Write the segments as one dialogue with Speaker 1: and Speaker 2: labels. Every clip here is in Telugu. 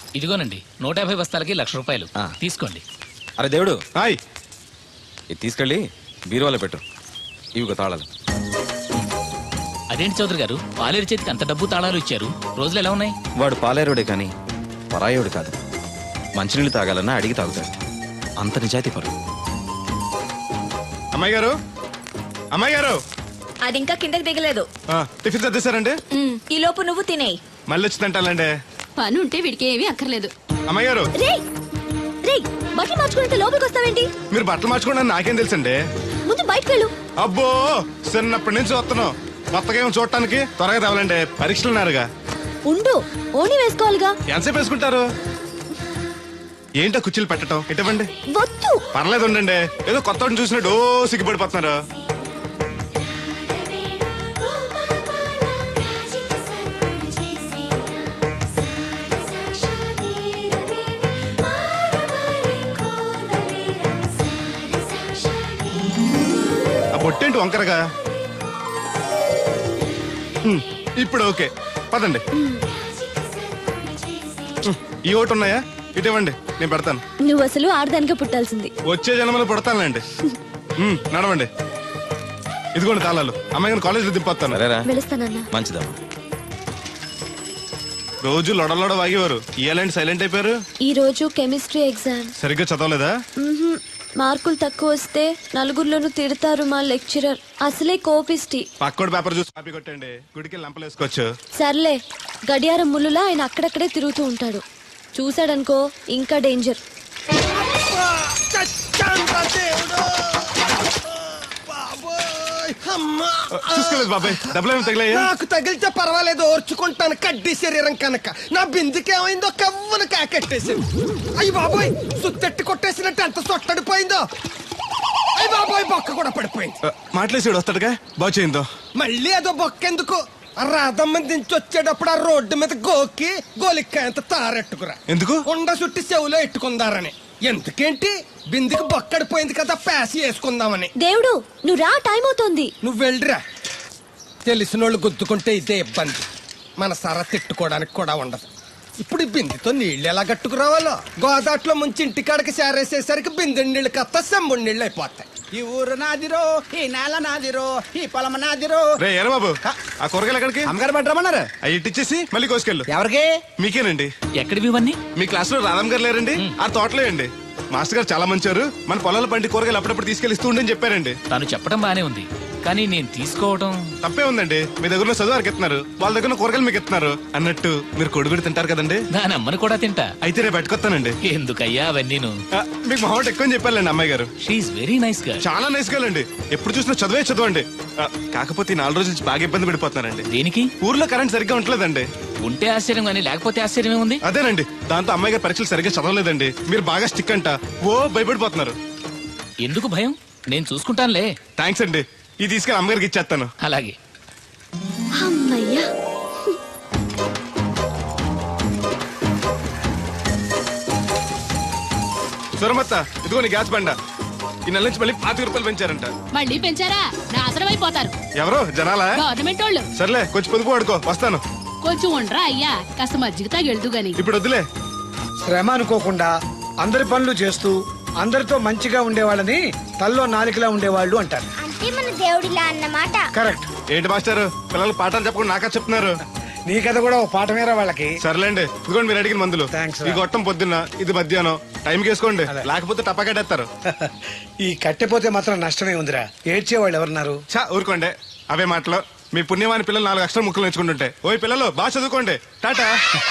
Speaker 1: ఇదిగోనండి 150 బస్తాలకి ₹1,00,000 తీసుకోండి.
Speaker 2: అరే దేవుడు,
Speaker 3: హాయ్.
Speaker 2: ఇది తీసుకెళ్ళి బీరువాలో పెట్టు. ఇవిగో తాళాలు.
Speaker 1: అదేంటి చౌదరి గారు, పాలేరు చేతికి అంత డబ్బు తాళాలు ఇచ్చారు? రోజులు ఎలా ఉన్నాయి?
Speaker 2: వాడు పాలేరుడే కానీ పరాయోడు కాదు. మంచినీళ్ళు తాగాలన్నా అడిగి తాగుతాడు. అంత నిజాయితీ పరు.
Speaker 3: అమ్మాయి గారు, అమ్మాయి గారు,
Speaker 4: అది ఇంకా కిందకి దిగలేదు.
Speaker 3: టిఫిన్ సర్దేశారండి?
Speaker 4: ఈ లోపు నువ్వు తినేయి.
Speaker 3: మళ్ళీ వచ్చి తింటానండి.
Speaker 5: పని ఉంటే వీడికి ఏమీ అక్కర్లేదు.
Speaker 3: అమ్మాయి గారు,
Speaker 4: బట్టలు మార్చుకుంటే లోపలికి వస్తావేంటి?
Speaker 3: మీరు బట్టలు మార్చుకోండి నాకేం తెలుసండి.
Speaker 4: ముందు బయటకు వెళ్ళు.
Speaker 3: అబ్బో, చిన్నప్పటి నుంచి వస్తున్నావు. కొత్తగా ఏమో చూడటానికి త్వరగా రావాలండి. పరీక్షలు ఉన్నారుగా.
Speaker 4: ఉండు, ఓణి వేసుకోవాలిగా.
Speaker 3: ఎంతసేపు వేసుకుంటారు? ఏంటో కుర్చీలు పెట్టడం? ఇటువంటి
Speaker 4: వద్దు.
Speaker 3: పర్లేదు ఉండండి. ఏదో కొత్త చూసినట్టు సిగ్గుపడిపోతున్నారు. ఆ బొట్టేంటి వంకరగా? ఇప్పుడు ఓకే, పదండి. ఈ ఓటు ఉన్నాయా? ఇటువంటి నేను పెడతాను.
Speaker 4: నువ్వు అసలు ఆడదానికే పుట్టాల్సింది.
Speaker 3: వచ్చే జన్మలో పుడతానులేండి. నడవండి. ఇదిగోండి తాళాలు. అమ్మాయి గారిని కాలేజీలో దింపొస్తాను.
Speaker 4: వెళుస్తానన్నా.
Speaker 2: మంచిదమ్మా.
Speaker 3: రోజు లొడలోడ వాగేవారు, ఇయ్యాలంటే సైలెంట్ అయిపోయారు.
Speaker 4: ఈ రోజు కెమిస్ట్రీ ఎగ్జామ్.
Speaker 3: సరిగ్గా చదవలేదా?
Speaker 4: మార్కులు తక్కువ వస్తే నలుగురిలోనూ తిడతారు మా లెక్చరర్. అసలే కోపిస్టి.
Speaker 3: పక్కోడు పేపర్ చూసి కాపీ కొట్టండి. గుడికి లంపలేసుకోవచ్చు.
Speaker 4: సర్లే, గడియారం ముళ్ళులా ఆయన అక్కడక్కడే తిరుగుతూ ఉంటాడు. చూశాడనుకో ఇంకా డేంజర్.
Speaker 3: చూసుకోలేదు బాబాయ్, డబ్బులు ఏమి తగిలాయా?
Speaker 6: నాకు తగిలితే పర్వాలేదు, ఓర్చుకుంటాను. కడ్డీ శరీరం కనుక నా బిందుకేమైందో కవ్వను కాకెట్టేసింది. అయ్యి బాబోయ్, సుత్తెట్టి కొట్టేసినట్టు ఎంత సొట్టడిపోయిందో. అయ్యి బాబోయ్, బొక్క కూడా పడిపోయింది.
Speaker 3: మాట్లాడేసాడు వస్తాడుగా, బాగు చేయిందో.
Speaker 6: మళ్ళీ అదో బొక్కెందుకు? రాధమ్మ దించి వచ్చేటప్పుడు ఆ రోడ్డు మీద గోకి గోలిక్కాయంత తారెట్టుకురా.
Speaker 3: ఎందుకు?
Speaker 6: కొండ చుట్టి చెవులో ఎట్టుకుందారని. ఎందుకేంటి? బిందుకు బొక్కడిపోయింది కదా, ప్యాసి వేసుకుందామని.
Speaker 4: దేవుడు, నువ్వు రా, టైం అవుతోంది.
Speaker 6: నువ్వు వెళ్ళిరా. తెలిసినోళ్ళు గుద్దుకుంటే ఇదే ఇబ్బంది. మన సర తిట్టుకోవడానికి కూడా ఉండదు. ఇప్పుడు ఈ బిందెతో నీళ్లు ఎలా కట్టుకురావాలో. గోదాట్లో ముంచి ఇంటికాడకి చేరేసేసరికి బిందె నీళ్లు కత్త సెంబుడి నీళ్ళు అయిపోతాయి.
Speaker 7: ఈ ఊరు నాదిరో, ఈ నేల నాదిరో, ఈ పొలం నాదిరో.
Speaker 3: రే ఎరా బాబు, ఆ కూరగాయలు ఎక్కడికి?
Speaker 7: అమ్మగారు పట్టరమన్నారు.
Speaker 3: అవి ఇట్టిచ్చేసి మళ్ళీ కోసుకెళ్ళు.
Speaker 7: ఎవరికి?
Speaker 3: మీకేనండి.
Speaker 1: ఎక్కడివి ఇవన్నీ?
Speaker 3: మీ క్లాస్ లో రాధమ్ గారు లేరండి? ఆ తోటలో అండి. మాస్టర్ గారు చాలా మంచారు. మన పొలాల పండి కూరగాయలు అప్పుడప్పుడు తీసుకెళ్లి ఇస్తూ ఉండని చెప్పారండి.
Speaker 1: తను చెప్పడం బానే ఉంది, కానీ నేను తీసుకోవడం
Speaker 3: తప్పే ఉందండి. మీ దగ్గర చదువు వారికి ఇస్తున్నారు, వాళ్ళ దగ్గర కూరగాయలు మీకు ఇస్తున్నారు. అన్నట్టు మీరు కొడుగుడి తింటారు కదండి.
Speaker 1: దాని అమ్మని కూడా తింటా.
Speaker 3: అయితే రేపు పెట్టుకొస్తానండి.
Speaker 1: ఎందుకయ్యా అవన్నీ?
Speaker 3: మీకు మా ఎక్కువ చెప్పాలండి అమ్మాయి గారు.
Speaker 1: షీఈ్ వెరీ నైస్ గా.
Speaker 3: చాలా నైస్ గర్ల్ అండి. ఎప్పుడు చూసినా చదువే చదవండి. కాకపోతే 4 రోజుల నుంచి బాగా ఇబ్బంది పడిపోతున్నారండి.
Speaker 1: దేనికి?
Speaker 3: ఊర్లో కరెంట్ సరిగ్గా ఉండలేదండి.
Speaker 1: ఉంటే ఆశ్చర్యం కానీ లేకపోతే ఆశ్చర్యమే ఉంది.
Speaker 3: అదేనండి, దాంతో అమ్మాయి గారు పరీక్షలు సరిగ్గా చదవలేదండి. మీరు బాగా స్టిక్ అంట ఓ భయపడిపోతున్నారు.
Speaker 1: ఎందుకు భయం? నేను చూసుకుంటానులే.
Speaker 3: థ్యాంక్స్ అండి. ఇది తీసుకెళ్ళి అమ్మగారికి ఇచ్చేస్తాను.
Speaker 1: అలాగే.
Speaker 4: అమ్మయ్యా.
Speaker 3: సూరమత్త, ఇదిగో నీ గ్యాస్ బండ. ఈ నెల నుంచి మళ్ళీ ₹25 పెంచారంట.
Speaker 5: మళ్ళీ పెంచారా? నాశనం అయిపోతారు.
Speaker 3: ఎవరో జనాలా?
Speaker 5: గవర్నమెంట్ వాళ్ళు.
Speaker 3: సర్లే, కొంచెం పొదుపు వాడుకో, వస్తాను.
Speaker 5: కొంచెం ఉండరా అయ్యా, కాస్త మజ్జిగ తాగెళ్తూ గాని.
Speaker 3: ఇప్పుడు వద్దులే.
Speaker 8: శ్రమ అనుకోకుండా అందరి పనులు చేస్తూ అందరితో మంచిగా ఉండేవాళ్ళని తల్లో నాలికలా ఉండేవాళ్ళు అంటారు.
Speaker 9: అంటే మన దేవుడిలా అన్నమాట.
Speaker 8: కరెక్ట్.
Speaker 3: ఏంటి మాస్టర్, పిల్లలు పాఠాలు చెప్పకుండా నాకా చెప్తున్నారు?
Speaker 8: నీ కథ కూడా ఒక పాఠమేరా వాళ్ళకి.
Speaker 3: సర్లేండి, ఇదిగోండి మీరు అడిగిన మందులు.
Speaker 8: థాంక్స్ రా.
Speaker 3: ఈ గొట్టం పొద్దున్న, ఇది మధ్యాహ్నం. టైంకి వేసుకోండి,
Speaker 8: అదే.
Speaker 3: లేకపోతే టపాకట్టేస్తారు.
Speaker 8: ఈ కట్టెపోతే మాత్రం నష్టమే ఉందిరా. ఏడ్చేవాళ్ళు ఎవరున్నారు?
Speaker 3: చా ఊరుకోండి, అవే మాటలు. మీ పుణ్యమాని పిల్లలు 4 అక్షరం ముక్కలు నేర్చుకుంటుంటే. ఓయ్ పిల్లలు, బాగా చదువుకోండి. టాటా.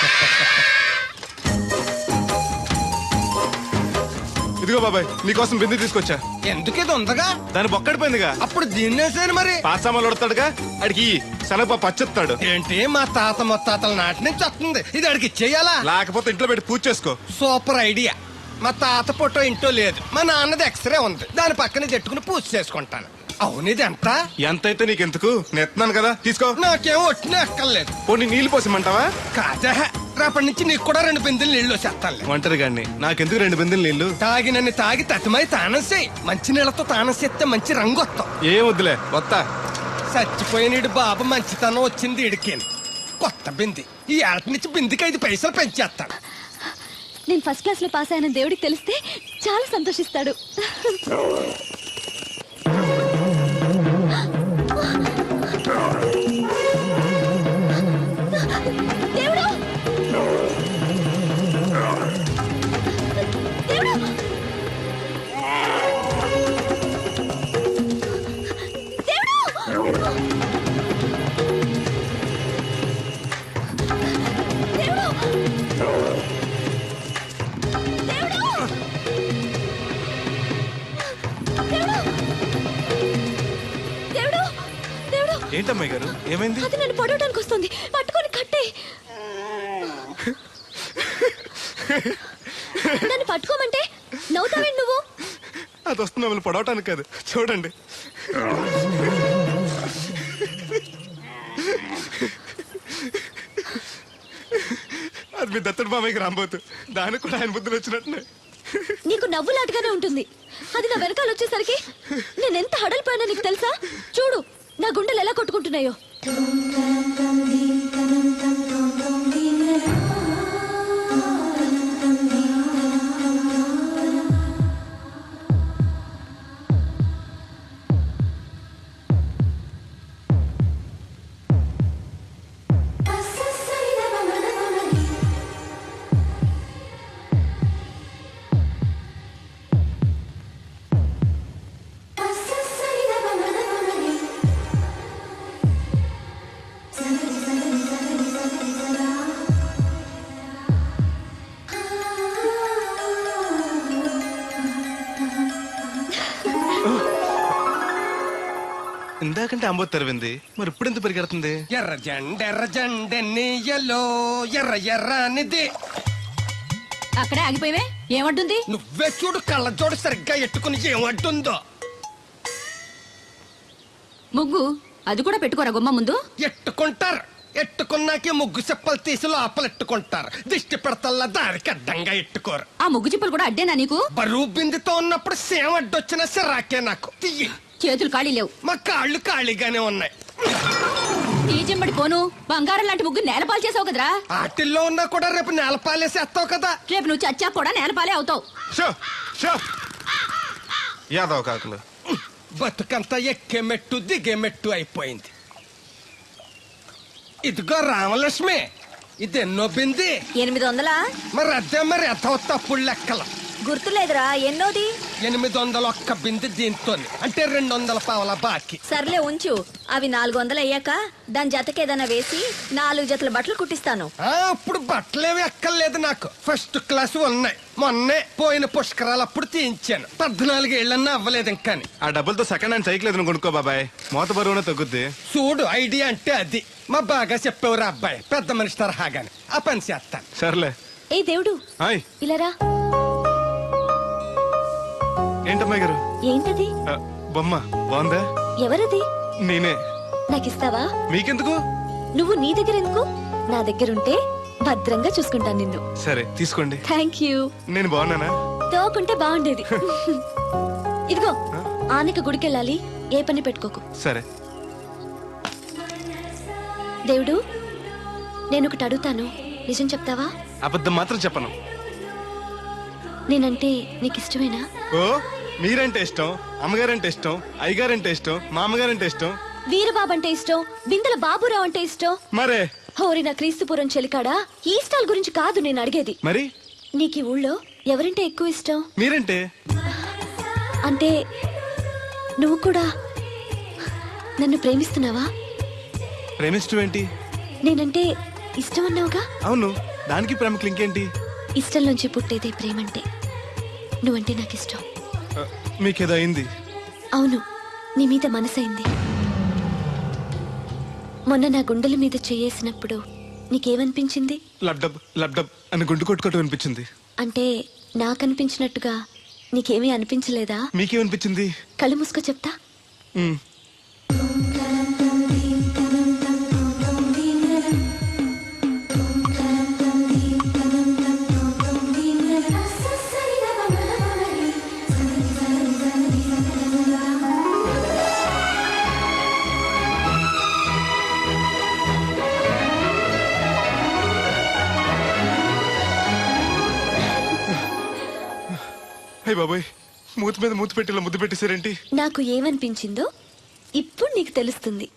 Speaker 3: ఇదిగో బాబాయ్, నీకోసం బిందు తీసుకొచ్చా.
Speaker 6: ఎందుకేదో ఉందగా?
Speaker 3: దాని బొక్కడిపోయిందిగా.
Speaker 6: అప్పుడు దీన్నేసాను మరి.
Speaker 3: పాసామాలు ఉడతాడుగా, అడిగి శనగపప్పు పచ్చెత్తాడు.
Speaker 6: ఏంటి, మా తాత ముత్తాతల నాటి నుంచి వస్తుంది. ఇది అడిగి ఇచ్చేయాలా?
Speaker 3: లేకపోతే ఇంట్లో పెట్టి పూజ చేసుకో.
Speaker 6: Super idea. మా తాత ఫోటో ఇంట్లో లేదు, మా నాన్నది ఎక్స్రే ఉంది. దాని పక్కన చెట్టుకుని పూజ చేసుకుంటాను. అవును, ఇది ఎంత?
Speaker 3: ఎంతైతే నీకెందుకు, నేస్తున్నాను కదా, తీసుకో.
Speaker 6: నాకేం ఒట్టిన ఎక్కర్లేదు.
Speaker 3: పోనీ నీళ్లు పోసిమంటావా?
Speaker 6: కాదా, రేపటి నుంచి నీకు కూడా 2 బిందెలు నీళ్లు చేస్తాను.
Speaker 3: ఒంటరి గాడిని, నాకెందుకు 2 బిందెలు నీళ్లు?
Speaker 6: తాగినన్ని తాగి తట్టుమై తానం చేయి. మంచి నీళ్లతో తానం చేస్తే మంచి రంగు వస్తాం.
Speaker 3: ఏం వద్దులే, వస్తా.
Speaker 6: చచ్చిపోయిన బాబు మంచితనం వచ్చింది ఇడికేను. కొత్త బింది. ఈ ఏట నుంచి బిందికి 5 పైసలు పెంచేస్తాను.
Speaker 4: నేను ఫస్ట్ క్లాస్ లో పాస్ అయిన దేవుడికి తెలిస్తే చాలా సంతోషిస్తాడు. దేవుడు! దేవుడు!
Speaker 3: ఏంటమ్మాయి గారు ఏమైంది?
Speaker 4: అది నన్ను పొడవడానికి వస్తుంది, పట్టుకొని కట్టే. నన్ను పట్టుకోమంటే నవ్వుతావేంటి నువ్వు?
Speaker 3: అది వస్తుంది మిమ్మల్ని పొడవటానికి కాదు, చూడండి. అది మీ దత్తడు మామయ్యకి రాబోతు, దానికి కూడా ఆయన బుద్ధులు వచ్చినట్టునే.
Speaker 4: నీకు నవ్వులాటగానే ఉంటుంది. అది నా వెనకాల వచ్చేసరికి నేనెంత హడలిపోయానో నీకు తెలుసా? చూడు నా గుండెలు ఎలా కొట్టుకుంటున్నాయో.
Speaker 3: ఇందాకంటే అంబో తెరవింది, మరి ఇప్పుడు ఎంత పరిగెడుతుంది?
Speaker 6: ఎర్ర జెండెన్నీయలో ఎర్ర ఎర్రనిది.
Speaker 5: అక్కడే ఆగిపోయావే, ఏమంటుంది?
Speaker 6: నువ్వే చూడు, కళ్ళజోడు సరిగ్గా ఎట్టుకుని ఏమంటుందో.
Speaker 5: ముగ్గు అది కూడా పెట్టుకోరా గుమ్మ ముందు.
Speaker 6: ఎట్టుకుంటారు, ఎట్టుకున్నాకే ముగ్గు చెప్పలు తీసి లోపలెట్టుకుంటారు. దిష్టి పెడతల్లా దారికి అడ్డంగా ఎట్టుకోరు.
Speaker 5: ఆ ముగ్గు చిప్పలు కూడా అడ్డేనా నీకు?
Speaker 6: బరువు బిందుతో ఉన్నప్పుడు సేమ అడ్డొచ్చిన సిరాకే నాకు. తీయి.
Speaker 5: చేతులు ఖాళీ లేవు.
Speaker 6: మా కాళ్ళు ఖాళీగానే ఉన్నాయి.
Speaker 5: ఈ చెంబడి పోను బంగారం లాంటి ముగ్గు నేలపాలు చేసావు కదరా.
Speaker 6: ఆటిల్లో ఉన్నా కూడా రేపు నేలపాలేసేస్తావు కదా.
Speaker 5: రేపు నువ్వు చచ్చా కూడా నేలపాలే అవుతావు.
Speaker 3: యాదవ కాకులు.
Speaker 6: బతుకంతా ఎక్కే మెట్టు దిగే మెట్టు అయిపోయింది. ఇదిగో రామలక్ష్మి, ఇది ఎన్నో బింది?
Speaker 4: 800.
Speaker 6: మరి అదే మరి ఎథవ తప్పుడు లెక్కలు.
Speaker 4: గుర్తులేదురా ఎన్నోది?
Speaker 6: 801 బింది దీంతో, అంటే 200 పావల బాకీ.
Speaker 4: సర్లే ఉంచు, అవి 400 అయ్యాక దాని జతకేదైనా వేసి 4 జతల బట్టలు కుట్టిస్తాను.
Speaker 6: అప్పుడు బట్టలేవి ఎక్కర్లేదు నాకు, ఫస్ట్ క్లాస్ ఉన్నాయి. మొన్నే పోయిన పుష్కరాలు అప్పుడు తీయించాను. 14 ఏళ్ళన్నా అవ్వలేదు ఇంకా.
Speaker 3: ఆ డబ్బులతో సెకండ్ హ్యాండ్ సైకిల్ ఏదైనా కొనుక్కో బాబాయ్, మోత బరువునే తగ్గుద్ది.
Speaker 6: చూడు, ఐడియా అంటే అది. మా బాగా చెప్పేవారు అబ్బాయి, పెద్ద మనిషి తరహాగాని. ఆ పని చేస్తాను.
Speaker 3: సర్లే.
Speaker 4: ఏ దేవుడు,
Speaker 3: హాయ్.
Speaker 4: ఇలా రా.
Speaker 3: ఏంటమ్మాయి గారు?
Speaker 4: ఏంటది?
Speaker 3: బొమ్మ బాగుందా?
Speaker 4: ఎవరది?
Speaker 3: నేనే.
Speaker 4: నాకిస్తావా?
Speaker 3: మీకెందుకు?
Speaker 4: నువ్వు నీ దగ్గర ఎందుకు? నా దగ్గరుంటే భద్రంగా చూసుకుంటాను నిన్ను.
Speaker 3: సరే తీసుకోండి.
Speaker 4: Thank you.
Speaker 3: నేను బాగున్నానా?
Speaker 4: తోకుంటే బాగుండేది. ఇదిగో, ఆనక గుడికెళ్ళాలి, ఏ పని పెట్టుకోకు.
Speaker 3: సరే.
Speaker 4: దేవుడు, నేను ఒకటి అడుగుతాను, నిజం చెప్తావా?
Speaker 3: అబద్ధం మాత్రం చెప్పను.
Speaker 4: నేనంటే నీకు ఇష్టమేనా?
Speaker 3: ఓ, మీరంటే ఇష్టం, అమ్మగారంటే ఇష్టం, అయ్యగారంటే ఇష్టం, మామగారంటే ఇష్టం,
Speaker 4: వీరబాబు అంటే ఇష్టం, బిందెల బాబురావు అంటే ఇష్టం.
Speaker 3: మరే
Speaker 4: హోరి నా క్రీస్తుపురం చెలికాడా, ఈ స్టాల్ గురించి కాదు నేను అడిగేది.
Speaker 3: మరి
Speaker 4: నీకు ఈ ఊళ్ళో ఎవరంటే ఎక్కువ ఇష్టం?
Speaker 3: మీరంటే.
Speaker 4: అంటే నువ్వు కూడా నన్ను ప్రేమిస్తున్నావా?
Speaker 3: ప్రేమిష్టం ఏంటి?
Speaker 4: నేనంటే ఇష్టం అన్నావుగా.
Speaker 3: అవును, దానికి ప్రేమకి ఇంకేంటి?
Speaker 4: ఇష్టం నుంచి పుట్టేదే ప్రేమంటే. నువ్వంటే నాకు ఇష్టం.
Speaker 3: మీకేదో అయింది?
Speaker 4: అవును, నీ మీద మనసైంది. మొన్న నా గుండెల మీద చేయేసినప్పుడు నీకేమనిపించింది?
Speaker 3: లబ్డబ్ లబ్డబ్ అని గుండు కొట్టుకోవటం అనిపించింది.
Speaker 4: అంటే నాకనిపించినట్టుగా నీకేమీ అనిపించలేదా?
Speaker 3: మీకేమనిపించింది?
Speaker 4: కళ్ళు మూసుకో చెప్తా.
Speaker 3: అయ్య బాబోయ్, మూతి మీద మూతి పెట్టిలా ముద్దు పెట్టేశారేంటి?
Speaker 4: నాకు ఏమనిపించిందో ఇప్పుడు నీకు తెలుస్తుంది.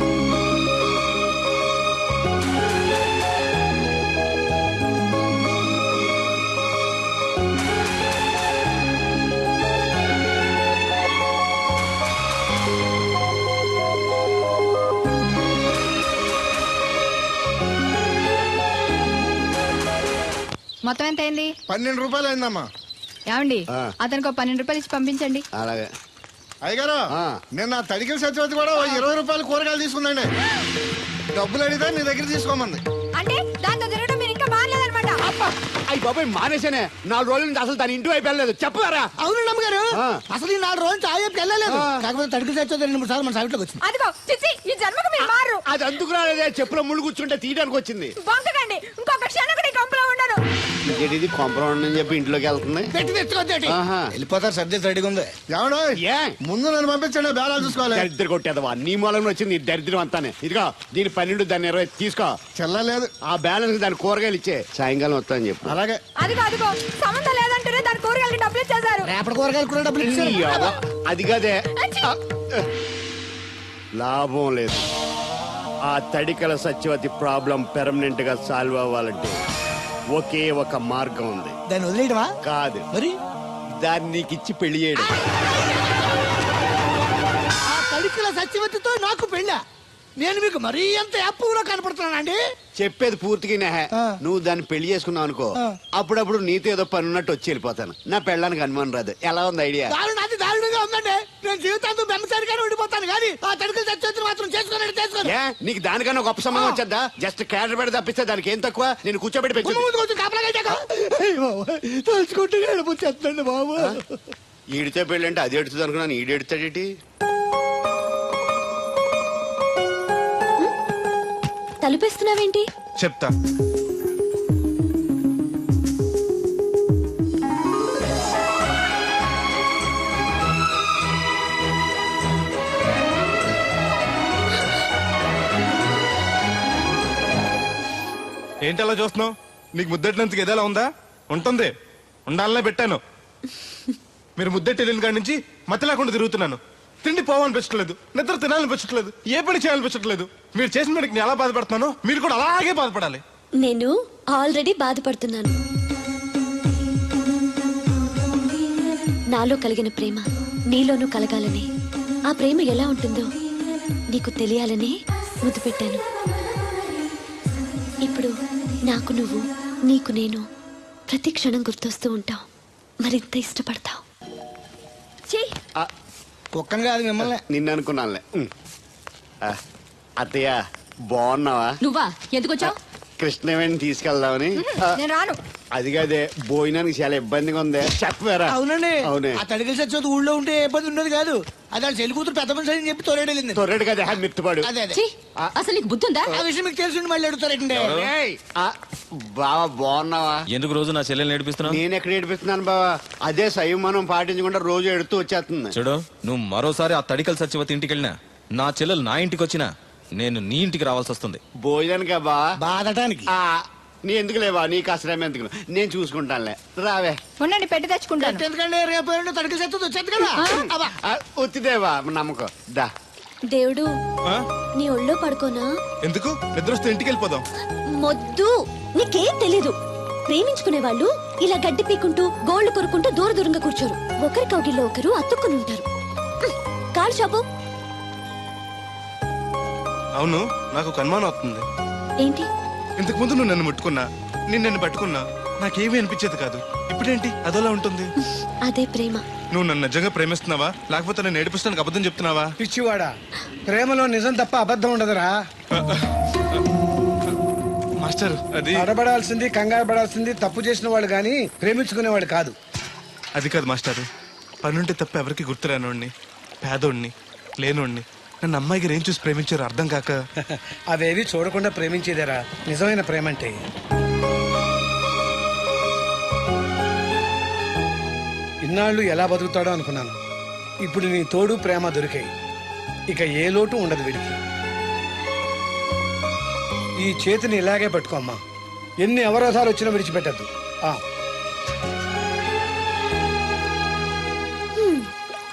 Speaker 5: మొత్తం ఎంత అయింది?
Speaker 3: 12 రూపాయలు అయిందమ్మా.
Speaker 5: ఏమండి అతనికి 12 రూపాయలు ఇచ్చి పంపించండి.
Speaker 3: అలాగే. అయ్యగారు, నేను నా తడికిల సత్యవతి కూడా 20 రూపాయలు కూరగాయలు తీసుకుందండి. డబ్బులు అడిగితే నీ దగ్గర తీసుకోమంది.
Speaker 5: అంటే దాంతో తిరగడం మీరు ఇంకా మానలేదన్నమాట.
Speaker 7: అయ్యి బాబాయ్ మానేశానే. 4 రోజుల నుంచి అసలు దాని ఇంటి వైపు వెళ్ళలేదు. చెప్పారా?
Speaker 8: అవును నమ్మగారు, అసలు ఈ 4 రోజులు చాయపు వెళ్ళలేదు. కాకపోతే తడికి చచ్చేది 2-3 సార్లు మన సైట్లోకి వచ్చింది.
Speaker 5: అదిగో చిచ్చి, ఈ జన్మకు మీరు మారు.
Speaker 7: అది అందుకు రాలేదే, చెప్పులో ముళ్ళు కూర్చుంటే తీయడానికి వచ్చింది.
Speaker 5: బొంకకండి, ఇంకొక క్షణం కూడా ఈ కంపలో ఉండను.
Speaker 7: ఇది కాంపౌండ్ అని చెప్పి ఇంట్లోకి వెళ్తుంది.
Speaker 8: పెట్టి తెచ్చుకోద్దేటి
Speaker 3: వెళ్ళిపోతారు, సర్ది రెడీగా ఉంది. ఏమన్నా
Speaker 7: ఏ
Speaker 3: ముందు నన్ను పంపించండి, బేళాలు చూసుకోవాలి.
Speaker 7: దరిద్ర కొట్టేదవా, నీ మూలంలో వచ్చింది ఈ దరిద్రం అంతానే. ఇదిగో దీని 12, దాన్ని 20 తీసుకో.
Speaker 3: చెల్లలేదు.
Speaker 7: ఆ బ్యాలెన్స్ దాని కూరగాయలు ఇచ్చే, సాయంకాలం వస్తా అని చెప్పు.
Speaker 3: అలాగే.
Speaker 5: అదిగో అదిగో, సంబంధం లేదంటేనే దాని కూరగాయలకి డబ్బులు ఇచ్చేశారు.
Speaker 8: రేపటి కూరగాయలు కూడా డబ్బులు
Speaker 7: నీ
Speaker 8: ఇచ్చారు.
Speaker 7: అవ్వ, అది కదే లాభం లేదు. ఆ తడికల సత్యవతి ప్రాబ్లం పెర్మనెంట్ గా సాల్వ్ అవ్వాలంటే ఒకే ఒక మార్గం ఉంది.
Speaker 8: దాన్ని వదిలేయడమా?
Speaker 7: కాదు,
Speaker 8: మరి
Speaker 7: దాన్ని నీకు ఇచ్చి పెళ్లి చేయడం.
Speaker 8: ఆ తడికిల సత్యవతితో నాకు పెళ్ళా? నేను మీకు మరీ ఎంత అప్పులో కనపడుతున్నానండి?
Speaker 7: చెప్పేది పూర్తిగా నెహ. నువ్వు దాన్ని పెళ్లి చేసుకున్నావు అనుకో, అప్పుడప్పుడు నీతో ఏదో పని ఉన్నట్టు వచ్చి వెళ్ళిపోతాను. నా పెళ్ళడానికి అనుమానం రాదు. ఎలా ఉంది ఐడియా?
Speaker 8: అది దారుణంగా ఉందండి. నేను జీవితాంతం బెమ్మసారిగానే ఉండిపోతాను కానీ ఆ తడికిల సత్యవతిని మాత్రం చేసుకోను.
Speaker 7: ఏ నీకు దానికన్నా గొప్ప సంబంధం వచ్చేద్దా? జస్ట్ క్యాడర్ పెడితే తప్పిస్తే దానికి ఏం తక్కువ? నేను కూర్చోబెట్టి
Speaker 8: తలుచుకుంటే వెళ్ళిపోతుందండి బాబు.
Speaker 7: ఈడితే పెళ్ళి అంటే అది ఎడుతుంది అనుకున్నాను, ఈడు ఎడుతాడేటి?
Speaker 4: తలుపేస్తున్నావేంటి?
Speaker 3: చెప్తా. ఏంటి అలా చూస్తున్నావు? నీకు ముద్దెట్టినందుకు ఏదైనా ఉందా? ఉంటుంది, ఉండాలనే పెట్టాను. మీరు ముద్దెట్టి వెళ్ళిన కాడి నుంచి మతి లేకుండా తిరుగుతున్నాను. తిండి పోవాలనిపించట్లేదు, నిద్ర తినాలనిపించట్లేదు, ఏ పని చేయాలనిపించట్లేదు. మీరు చేసిన పనికి నేను ఎలా బాధపడుతున్నానో మీరు కూడా అలాగే బాధపడాలి.
Speaker 4: నేను ఆల్రెడీ బాధపడుతున్నాను. నాలో కలిగిన ప్రేమ నీలోనూ కలగాలని, ఆ ప్రేమ ఎలా ఉంటుందో నీకు తెలియాలని ముద్దు పెట్టాను. ఇప్పుడు నాకు నువ్వు, నీకు నేను ప్రతి క్షణం గుర్తొస్తూ ఉంటావు. మరింత ఇష్టపడతావు.
Speaker 8: కుక్కను కాదు మిమ్మల్ని.
Speaker 7: నిన్ను అనుకున్నానులే. అత్తయ్య బాగున్నావా?
Speaker 5: నువ్వా ఎందుకు వచ్చావు?
Speaker 7: కృష్ణవేణి తీసుకెళ్దామని.
Speaker 5: నేను రాను.
Speaker 7: అది కాదే, భోజనానికి చాలా ఇబ్బందిగా ఉంది. చెప్పారా?
Speaker 8: అవునండి.
Speaker 7: అవునే.
Speaker 8: ఆ తడికిల సత్యవతి ఊళ్ళో ఉంటే ఏ ఇబ్బంది ఉండదు కాదు. అది వాళ్ళ చెల్లి కూతురు పెద్ద మనిషి అని చెప్పి తోలేడెళ్ళింది.
Speaker 7: తొర్రెడు కదా మిత్తుపాడు.
Speaker 8: అదే అదే.
Speaker 5: ఛీ, అసలు నీకు బుద్ధి ఉందా?
Speaker 8: ఆ విషయం మీకు తెలిసి మళ్ళీ అడుగుతారండి.
Speaker 7: బావా బాగున్నావా?
Speaker 2: ఎందుకు రోజు నా చెల్లెల్ని నేర్పిస్తున్నావు?
Speaker 7: నేను ఎక్కడ ఏడిపిస్తున్నాను బావా? అదే సంయమనం పాటించకుండా రోజు ఎడుతూ వచ్చేస్తుంది.
Speaker 2: చూడు, నువ్వు మరోసారి ఆ తడికల సత్యవతి ఇంటికి వెళ్ళినా, నా చెల్లెలు నా ఇంటికి వచ్చినా, నేను నీ ఇంటికి రావాల్సి వస్తుంది.
Speaker 7: భోజనానికా బావా?
Speaker 8: బాధటానికి.
Speaker 7: నీ ఎందుకు లేవా? నీకు అసలేం ఎందుకు, నేను చూసుకుంటానులే. రావే.
Speaker 5: ఉండండి, పెట్టి తెచ్చుకుంటాను.
Speaker 8: ఎందుకంటే రేపు తడికిల సత్యవతి వచ్చేది కదా.
Speaker 7: వచ్చిదేవా నమ్మకం. దా
Speaker 4: దేవుడు, నీ ఒళ్ళో పడుకోనా?
Speaker 3: ఎందుకు? నిద్ర వస్తే ఇంటికి వెళ్ళిపోదాం.
Speaker 4: మొద్దు, నీకేం తెలీదు. ప్రేమించుకునే వాళ్ళు ఇలా గడ్డి పీకుంటూ గోళ్లు కొరుకుంటూ దూర దూరంగా కూర్చోరు. ఒకరి కౌగిల్లో ఒకరు అతుక్కుని ఉంటారు. కాలు షాపు.
Speaker 3: అవును, నాకు ఒక అనుమానం అవుతుంది.
Speaker 4: ఏంటి?
Speaker 3: ఇంతకు ముందు నువ్వు నన్ను ముట్టుకున్నా, నేను నన్ను పట్టుకున్నా, నాకేమీ అనిపించేది కాదు. ఇప్పుడేంటి అదోలా ఉంటుంది?
Speaker 4: అదే ప్రేమ.
Speaker 3: నువ్వు నన్ను నిజంగా ప్రేమిస్తున్నావా, లేకపోతే నన్ను ఏడిపిస్తానికి అబద్ధం చెప్తున్నావా?
Speaker 8: పిచ్చివాడా, ప్రేమలో నిజం తప్ప అబద్ధం ఉండదురా.
Speaker 3: మాస్టర్, అది
Speaker 8: అడబడాల్సింది, కంగారు పడాల్సింది తప్పు చేసిన వాడు గాని ప్రేమించుకునేవాడు కాదు.
Speaker 3: అది కాదు మాస్టర్. పనుంటే తప్ప ఎవరికి గుర్తురానోడిని, పేదోడిని, లేనోడిని నన్ను అమ్మాయి గారు ఏం చూసి ప్రేమించారు అర్థం కాక.
Speaker 8: అవేవి చూడకుండా ప్రేమించేదేరా నిజమైన ప్రేమ అంటే. ఇన్నాళ్ళు ఎలా బతుకుతాడో అనుకున్నాను. ఇప్పుడు నీ తోడు ప్రేమ దొరికాయి. ఇక ఏ లోటు ఉండదు వీడికి. ఈ చేతిని ఇలాగే పట్టుకోమ్మా. ఎన్ని అవరోధాలు వచ్చినా విడిచిపెట్టద్దు.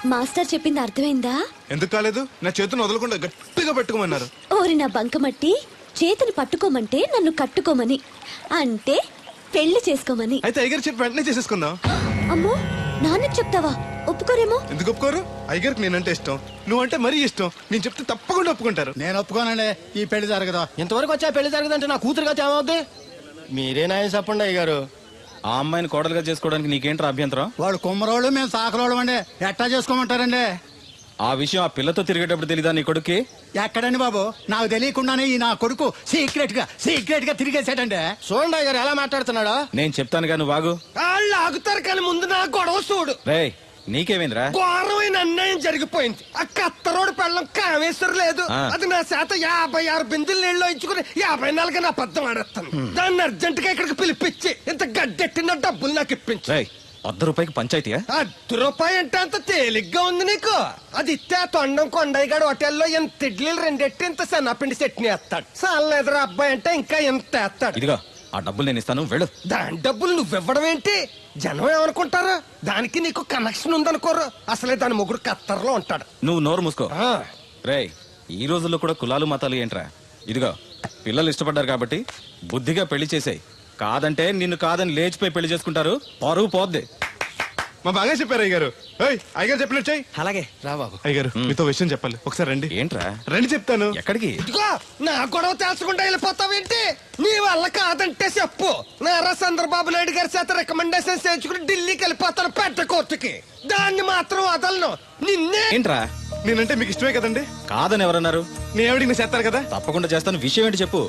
Speaker 4: మాస్టర్ చెప్పింది అర్థమైందా?
Speaker 3: ఎందుకు కాలేదు? నా చేతిని వదలకుండా గట్టిగా పెట్టుకోమన్నారు.
Speaker 4: ఓరి నా బంకమట్టి, చేతిని పట్టుకోమంటే నన్ను కట్టుకోమని, అంటే పెళ్లి చేసుకోమని.
Speaker 3: అయితే అయ్యగారు చెప్పి వెంటనే చేసేసుకుందాం.
Speaker 4: అమ్మో, నాన్నకి చెప్తావా? ఒప్పుకోరేమో.
Speaker 3: ఎందుకు ఒప్పుకోరు? అయ్యగారికి నేనంటే ఇష్టం, నువ్వంటే మరీ ఇష్టం. నేను చెప్తే తప్పకుండా ఒప్పుకుంటారు.
Speaker 10: నేను ఒప్పుకోనండి, ఈ పెళ్లి జరగదు.
Speaker 6: ఇంతవరకు వచ్చా పెళ్లి జరగదంటే నా కూతురుగా ఏమవుద్ది? మీరే నాయన చెప్పండి అయ్యగారు.
Speaker 2: ఆ అమ్మాయిని కోడలుగా చేసుకోవడానికి నీకేంట్రా అభ్యంతరం?
Speaker 10: వాడు కుమ్మరోళ్ళు, మేము సాకరోళ్ళు అండి. ఎట్టా చేసుకోమంటారండి?
Speaker 2: ఆ విషయం ఆ పిల్లతో తిరిగేటప్పుడు తెలీదా నీ కొడుక్కి?
Speaker 10: ఎక్కడండి బాబు, నాకు తెలియకుండానే ఈ నా కొడుకు సీక్రెట్ గా తిరిగేసాడండి.
Speaker 6: చూడండి అయ్యగారు ఎలా మాట్లాడుతున్నాడా.
Speaker 2: నేను చెప్తాను కానీ వాగు.
Speaker 6: వాళ్ళు ఆగుతారు కానీ ముందు నా గొడవ చూడు.
Speaker 2: రేయ్, నీకేమైందిరా?
Speaker 6: ఘోరమైన అన్యాయం జరిగిపోయింది. ఆ కత్తరోడు పెళ్ళం కామేశ్వర లేదు.
Speaker 2: ఆ.
Speaker 6: అది నా చేత 56 బిందులు నీళ్ళు ఇచ్చుకుని 54 నా పద్దం ఆడేస్తాను. దాన్ని అర్జెంట్ గా ఇక్కడికి పిలిపించి ఇంత గడ్డెట్టిన డబ్బులు నాకు ఇప్పించు.
Speaker 2: రేయ్, ₹100 పంచాయతీయా?
Speaker 6: ₹100 అంటే అంత తేలిగ్గా ఉంది నీకు. అది ఇస్తే ఆ తొండం కొండయ్యగాడు హోటల్లో ఎంత ఇడ్లీలు రెండెట్టి ఇంత సన్నపిండి చట్నీ వేస్తాడు. సాల ఎదురు అబ్బాయి అంటే ఇంకా ఎంత వేస్తాడు.
Speaker 2: ఇదిగో ఆ డబ్బులు నేను ఇస్తాను, వెళ్ళు.
Speaker 6: దాని డబ్బులు నువ్వివ్వడం ఏంటి? జనం ఏమనుకుంటారు? దానికి నీకు కనెక్షన్ ఉందనుకోరు. అసలే దాని ముగ్గురు కత్తర్లో ఉంటాడు.
Speaker 2: నువ్వు నోరు మూసుకో.
Speaker 6: ఆ.
Speaker 2: రేయ్, ఈ రోజుల్లో కూడా కులాలు మతాలు ఏంట్రా? ఇదిగో పిల్లలు ఇష్టపడ్డారు కాబట్టి బుద్ధిగా పెళ్లి చేసేయ్. కాదంటే నిన్ను కాదని లేచిపోయి పెళ్లి చేసుకుంటారు, పరువు పోద్ది.
Speaker 3: మా బాగా చెప్పారు అయ్యగారు. అయ్యగారు చెప్పినట్టు చెయ్యి.
Speaker 6: అలాగే రా బాబు.
Speaker 3: అయ్యగారు మీతో విషయం చెప్పాలి, ఒకసారి రండి.
Speaker 2: ఏంట్రా?
Speaker 3: రండి చెప్తాను.
Speaker 2: ఎక్కడికి?
Speaker 6: ఇదిగో నా గొడవ తెలుసుకుంటా వెళ్ళిపోతావేంటి? నీ వల్ల కాదంటే చెప్పు. నారా చంద్రబాబు నాయుడు గారి చేత రికమెండేషన్ చేయించుకుని ఢిల్లీకి వెళ్ళిపోతాను పెద్ద కోర్టుకి. దాన్ని మాత్రం వదలను. నిన్నే.
Speaker 2: ఏంట్రా?
Speaker 3: నేనంటే మీకు ఇష్టమే కదండి.
Speaker 2: కాదని ఎవరన్నారు?
Speaker 3: నేను ఎవడికి నేను చేస్తాను కదా.
Speaker 2: తప్పకుండా చేస్తాను. విషయం ఏంటి చెప్పు.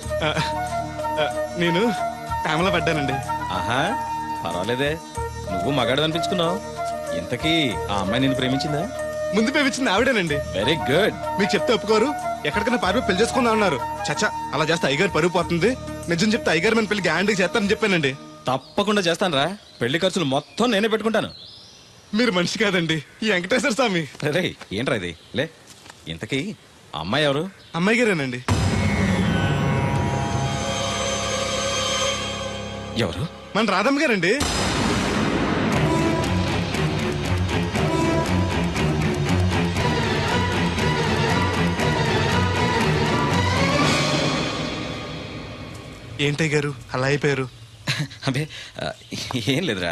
Speaker 3: నేను ప్రేమలో పడ్డానండి.
Speaker 2: ఆహా, పర్వాలేదే, నువ్వు మగాడు అనిపించుకున్నావు. ఇంతకీ ఆ అమ్మాయి నిన్ను ప్రేమించిందా?
Speaker 3: ముందు పేపించింది ఆవిడేనండి.
Speaker 2: Very good.
Speaker 3: మీకు చెప్తే ఒప్పుకోరు, ఎక్కడికైనా పారిపోయి పెళ్లి చేసుకుందాం అన్నారు. చచ్చా, అలా చేస్తే అయ్యగారు పరుగు పోతుంది. నిజం చెప్తే అయ్యగారు మన పెళ్లి గ్యాండ్కి చేస్తానని చెప్పానండి.
Speaker 2: తప్పకుండా చేస్తాను రా. పెళ్లి ఖర్చులు మొత్తం నేనే పెట్టుకుంటాను.
Speaker 3: మీరు మనిషి కాదండి, ఈ వెంకటేశ్వర స్వామి.
Speaker 2: రే, ఏంట్రా ఇది? లే, ఇంతకీ ఆ అమ్మాయి ఎవరు?
Speaker 3: అమ్మాయి గారేనండి.
Speaker 2: ఎవరు?
Speaker 3: మన రాధమ్మ గారండి. ఏంటయ్య గారు అలా అయిపోయారు?
Speaker 2: అబే, ఏం లేదురా.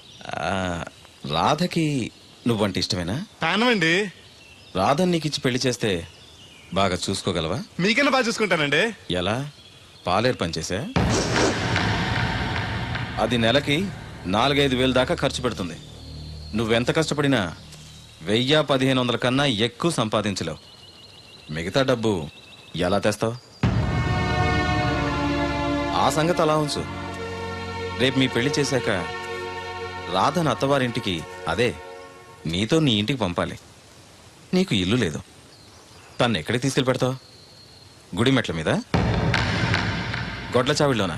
Speaker 2: రాధకి నువ్వంటే ఇష్టమేనా?
Speaker 3: ప్రాణమండి.
Speaker 2: రాధని నీకు ఇచ్చి పెళ్లి చేస్తే బాగా చూసుకోగలవా?
Speaker 3: మీకన్నా బాగా చూసుకుంటానండి.
Speaker 2: ఎలా? పాలేరు పనిచేసా? అది నెలకి 4-5 వేలు దాకా ఖర్చు పెడుతుంది. నువ్వెంత కష్టపడినా 1000-1500 కన్నా ఎక్కువ సంపాదించలేవు. మిగతా డబ్బు ఎలా తెస్తావు? ఆ సంగతి అలా ఉంచు. రేపు మీ పెళ్లి చేశాక రాధను అత్తవారింటికి, అదే నీతో నీ ఇంటికి పంపాలి. నీకు ఇల్లు లేదు. తను ఎక్కడికి తీసుకెళ్ళి పెడతావు? గుడి మెట్ల మీద? గొడ్ల చావిడిలోనా?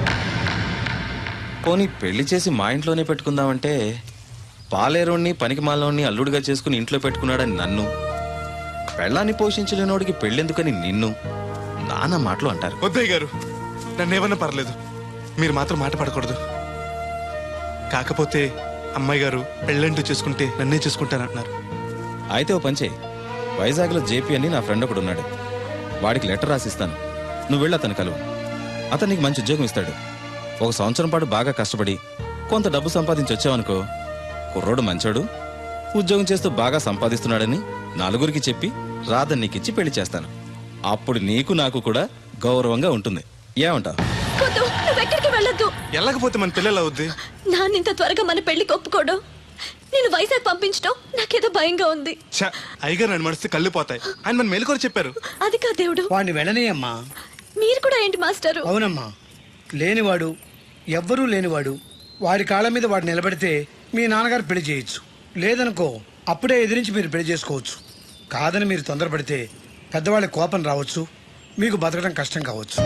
Speaker 2: పోనీ పెళ్లి చేసి మా ఇంట్లోనే పెట్టుకుందామంటే పాలేరోణ్ణి పనికిమాలోని అల్లుడిగా చేసుకుని ఇంట్లో పెట్టుకున్నాడని నన్ను, పెళ్ళాన్ని పోషించలేనోడికి పెళ్ళెందుకని నిన్ను నానా మాటలు అంటారు.
Speaker 3: వద్దయ్య గారు, నన్నేమన్నా పర్లేదు, మీరు మాత్రం మాట పడకూడదు. కాకపోతే అమ్మాయి గారు పెళ్ళంటూ చేసుకుంటే నన్నే చేసుకుంటానంటున్నారు.
Speaker 2: అయితే ఓ పంచే, వైజాగ్లో జేపీ అని నా ఫ్రెండ్ ఒకడు ఉన్నాడు. వాడికి లెటర్ రాసిస్తాను, నువ్వు వెళ్ళి అతను కలువు. అతను నీకు మంచి ఉద్యోగం ఇస్తాడు. 1 సంవత్సరం పాటు బాగా కష్టపడి కొంత డబ్బు సంపాదించి వచ్చావనుకో, కుర్రోడు మంచోడు, ఉద్యోగం చేస్తూ బాగా సంపాదిస్తున్నాడని నలుగురికి చెప్పి రాధని నీకిచ్చి పెళ్లి చేస్తాను. అప్పుడు నీకు నాకు కూడా గౌరవంగా ఉంటుంది. ఏమంటావు?
Speaker 4: వద్దు, నువ్వెక్కడికి వెళ్ళొద్దు.
Speaker 3: వెళ్ళకపోతే మన పిల్లలు అవుద్ది.
Speaker 4: నాన్న ఇంత త్వరగా మన పెళ్లికి ఒప్పుకోవడం, నేను వైజాగ్ పంపించడం నాకేదో భయంగా ఉంది.
Speaker 3: అయ్యగారు నన్ను మడిస్తే కళ్ళు పోతాయి. ఆయన మన మేలుకొని చెప్పారు.
Speaker 4: అది కా దేవుడు.
Speaker 8: వాడిని వెళ్ళనీయమ్మా.
Speaker 4: మీరు కూడా ఏంటి మాస్టారు?
Speaker 8: అవునమ్మా, లేనివాడు, ఎవ్వరూ లేనివాడు, వాడి కాళ్ళ మీద వాడు నిలబడితే మీ నాన్నగారు పెళ్లి చేయొచ్చు. లేదనుకో, అప్పుడే ఎదిరించి మీరు పెళ్లి చేసుకోవచ్చు. కాదని మీరు తొందరపడితే పెద్దవాళ్ళ కోపం రావచ్చు, మీకు బతకడం కష్టం కావచ్చు.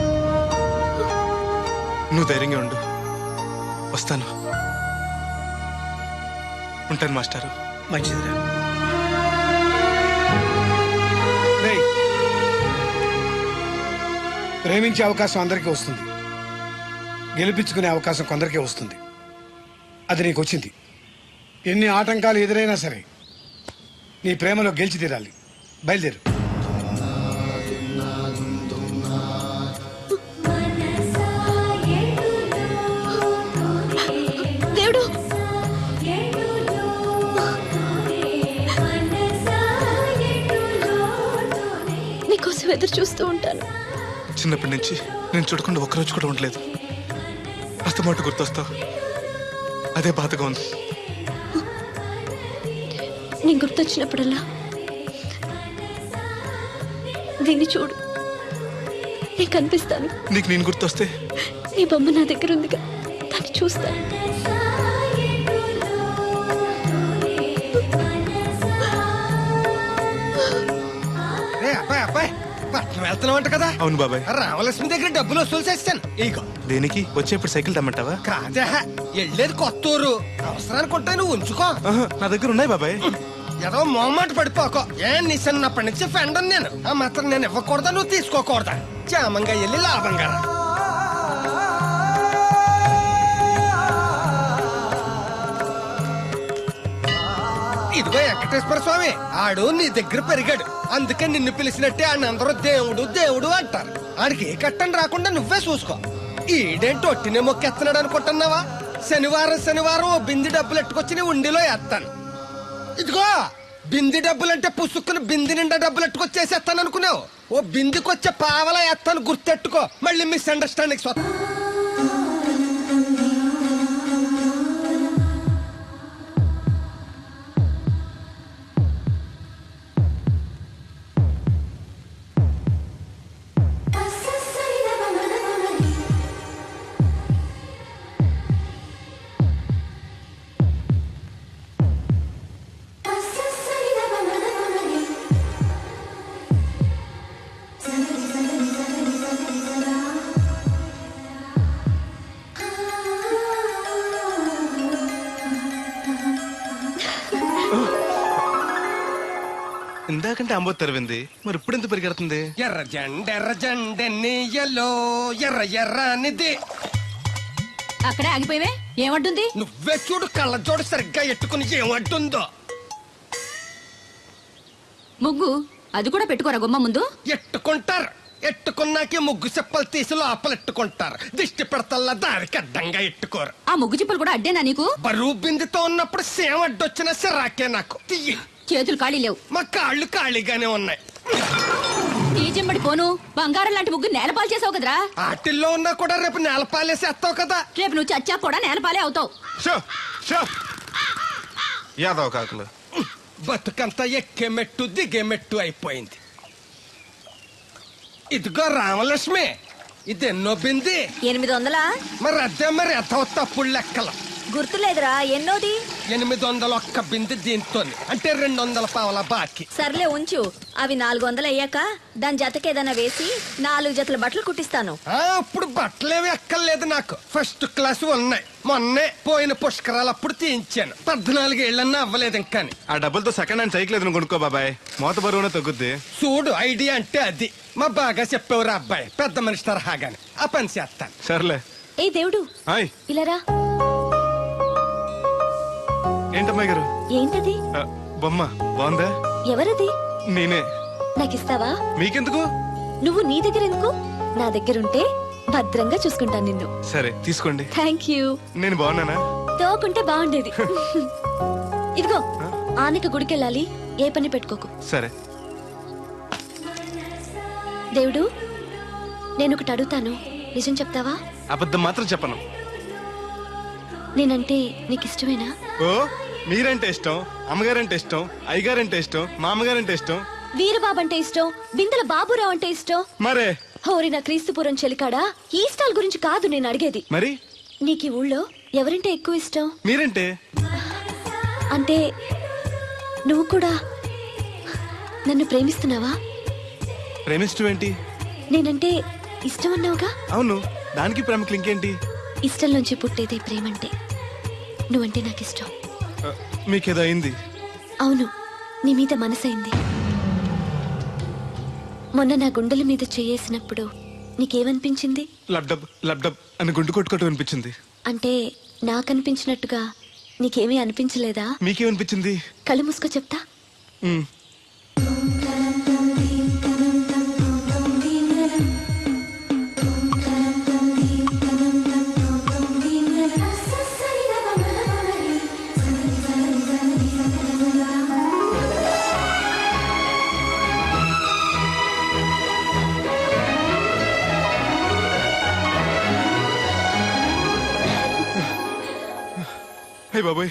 Speaker 3: నువ్వు ధైర్యంగా ఉండు, వస్తాను. ఉంటాను మాస్టారు.
Speaker 8: మంచిదిరా. ప్రేమించే అవకాశం అందరికీ వస్తుంది, గెలిపించుకునే అవకాశం కొందరికే వస్తుంది. అది నీకు వచ్చింది. ఎన్ని ఆటంకాలు ఎదురైనా సరే నీ ప్రేమలో గెలిచి తీరాలి. బయలుదేరు.
Speaker 4: దేవుడు నీకోసం ఎదురు చూస్తూ ఉంటాను.
Speaker 3: చిన్నప్పటి నుంచి నేను చూడకుండా ఒక్కరోజు కూడా ఉండలేదు. అస్తమాట గుర్తొస్తావు, అదే బాధగా ఉంది.
Speaker 4: నేను గుర్తొచ్చినప్పుడల్లా దీన్ని చూడు, నేను కనిపిస్తాను.
Speaker 3: నీకు నేను గుర్తొస్తే
Speaker 4: నీ బొమ్మ నా దగ్గర ఉందిగా, దాన్ని చూస్తాను.
Speaker 6: అబ్బాయి అబ్బాయి పట్నం వెళ్తున్నావంట కదా?
Speaker 3: అవును బాబాయ్.
Speaker 6: రామలక్ష్మి దగ్గర డబ్బులు వసూలు చేస్తాను. ఇగో.
Speaker 3: దేనికి? వచ్చేప్పుడు సైకిల్ తెమ్మంటావా?
Speaker 6: కాదా, వెళ్ళేది కొత్త ఊరు, అవసరానికి ఉంటాయి, నువ్వు ఉంచుకో.
Speaker 3: ఆహా, నా దగ్గర ఉన్నాయి బాబాయ్.
Speaker 6: ఏదో మొహమాట పడిపోకో. నీ చిన్నప్పటి నుంచి ఫ్రెండ్ నేను. ఆ మాత్రం నేను ఇవ్వకూడదా, నువ్వు తీసుకోకూడదా? క్షేమంగా వెళ్ళి లాభంగా రా. ఇదిగో వెంకటేశ్వర స్వామి, ఆడు నీ దగ్గర పెరిగాడు, అందుకే నిన్ను పిలిచినట్టే ఆయన అందరూ దేవుడు దేవుడు అంటారు. ఆడికి ఏ కట్టం రాకుండా నువ్వే చూసుకో. ఈడేంటి ఒట్టినే మొక్కెత్తనాడు అనుకుంటున్నావా? శనివారం శనివారం ఓ బింది డబ్బులు ఎట్టుకొచ్చి నీ ఉండిలో వేస్తాను. ఇదిగో బింది డబ్బులంటే పుసుక్కుని బింది నిండా డబ్బులు ఎట్టుకొచ్చేసేస్తాను అనుకున్నావు. ఓ బిందికొచ్చే పావలా వేస్తాను, గుర్తెట్టుకో. మళ్ళీ మిస్అండర్స్టాండింగ్ స్వతం.
Speaker 3: ఇందాకంటే అంబో తెరవింది, మరి ఇప్పుడు ఎంత పరిగెడుతుంది?
Speaker 6: ఎర్ర జెండెన్నీయలో ఎర్ర ఎర్రనిది.
Speaker 5: అక్కడే ఆగిపోయావే, ఏమంటుంది?
Speaker 6: నువ్వే చూడు, కళ్ళజోడు సరిగ్గా ఎట్టుకుని ఏమంటుందో.
Speaker 5: ముగ్గు అది కూడా పెట్టుకోరా గుమ్మ ముందు.
Speaker 6: ఎట్టుకుంటారు, ఎట్టుకున్నాకే ముగ్గు చెప్పలు తీసి లోపలెట్టుకుంటారు. దిష్టి పెడతల్లా దానికి అడ్డంగా ఎట్టుకోరు.
Speaker 5: ఆ ముగ్గు చిప్పలు కూడా అడ్డేనా నీకు?
Speaker 6: బరువు బిందుతో ఉన్నప్పుడు సేమ అడ్డొచ్చిన సిరాకే నాకు. తీయి.
Speaker 5: చేతులు ఖాళీ లేవు.
Speaker 6: మా కాళ్ళు ఖాళీగానే ఉన్నాయి.
Speaker 5: ఈ చెంబడి పోను బంగారం లాంటి ముగ్గు నేలపాలు చేసావు కదరా.
Speaker 6: ఆటిల్లో ఉన్నా కూడా రేపు నేలపాలేసేస్తావు కదా.
Speaker 5: రేపు నువ్వు చచ్చా కూడా నేలపాలే అవుతావు.
Speaker 3: షో షో యాదవ్ కాకులు.
Speaker 6: బతుకంతా ఎక్కే మెట్టు దిగే మెట్టు అయిపోయింది. ఇదిగో రామలక్ష్మి, ఇదెన్నో బింది?
Speaker 5: 800.
Speaker 6: మరి అదే మరి ఎత్తవ తప్పుడు లెక్కలు.
Speaker 5: గుర్తులేదురా, ఎన్నోది?
Speaker 6: 801 బింది దీంతో, అంటే 200 పావల బాకీ.
Speaker 4: సర్లే ఉంచు, అవి 400 అయ్యాక దాని జతకేదైనా వేసి 4 జతల బట్టలు కుట్టిస్తాను.
Speaker 6: ఇప్పుడు బట్టలేవి ఎక్కర్లేదు నాకు, ఫస్ట్ క్లాస్ ఉన్నాయి. మొన్నే పోయిన పుష్కరాలు అప్పుడు తీయించాను. 14 ఏళ్ళన్నా అవ్వలేదు ఇంకా.
Speaker 3: ఆ డబ్బులతో సెకండ్ హ్యాండ్ సైకిల్ ఏదైనా కొనుక్కో బాబాయ్, మోత బరువునే తగ్గుద్ది.
Speaker 6: చూడు, ఐడియా అంటే అది. మా బాగా చెప్పేవారు అబ్బాయి, పెద్ద మనిషి తరహాగాని. ఆ పని చేస్తాను.
Speaker 3: సర్లే.
Speaker 4: ఏ దేవుడు,
Speaker 3: హాయ్.
Speaker 4: ఇలా రా.
Speaker 3: ఏంటమ్మాయి గారు?
Speaker 4: ఏంటది?
Speaker 3: బొమ్మ బాగుందా?
Speaker 4: ఎవరది?
Speaker 3: నేనే.
Speaker 4: నాకిస్తావా?
Speaker 3: మీకెందుకు?
Speaker 4: నువ్వు నీ దగ్గర ఎందుకు? నా దగ్గరుంటే భద్రంగా చూసుకుంటాను నిన్ను.
Speaker 3: సరే తీసుకోండి.
Speaker 4: Thank you.
Speaker 3: నేను బాగున్నానా?
Speaker 4: తోకుంటే బాగుండేది. ఇదిగో, ఆనక గుడికెళ్ళాలి, ఏ పని పెట్టుకోకు.
Speaker 3: సరే.
Speaker 4: దేవుడు, నేను ఒకటి అడుగుతాను, నిజం చెప్తావా?
Speaker 3: అబద్ధం మాత్రం చెప్పను.
Speaker 4: నేనంటే నీకు ఇష్టమేనా?
Speaker 3: ఓ, మీరంటే ఇష్టం, అమ్మగారంటే ఇష్టం, అయ్యగారంటే ఇష్టం, మామగారంటే ఇష్టం,
Speaker 4: వీరబాబు అంటే ఇష్టం, బిందెల బాబురావు అంటే ఇష్టం.
Speaker 3: మరే
Speaker 4: హోరి నా క్రీస్తుపురం చెలికాడా, ఈ స్టాల్ గురించి కాదు నేను అడిగేది.
Speaker 3: మరి
Speaker 4: నీకు ఈ ఊళ్ళో ఎవరంటే ఎక్కువ ఇష్టం?
Speaker 3: మీరంటే.
Speaker 4: అంటే నువ్వు కూడా నన్ను ప్రేమిస్తున్నావా?
Speaker 3: ప్రేమిష్టం ఏంటి?
Speaker 4: నేనంటే ఇష్టం అన్నావుగా.
Speaker 3: అవును, దానికి ప్రేమకి ఇంకేంటి?
Speaker 4: ఇష్టం నుంచి పుట్టేదే ప్రేమంటే. నువ్వంటే నాకు ఇష్టం.
Speaker 3: మీకేదో అయింది?
Speaker 4: అవును, నీ మీద మనసైంది. మొన్న నా గుండెల మీద చేయేసినప్పుడు నీకేమనిపించింది?
Speaker 3: లబ్డబ్ లబ్డబ్ అని గుండు కొట్టుకోవటం అనిపించింది.
Speaker 4: అంటే నాకనిపించినట్టుగా నీకేమీ అనిపించలేదా?
Speaker 3: మీకేమనిపించింది?
Speaker 4: కళ్ళు మూసుకో చెప్తా.
Speaker 3: హే బాబోయ్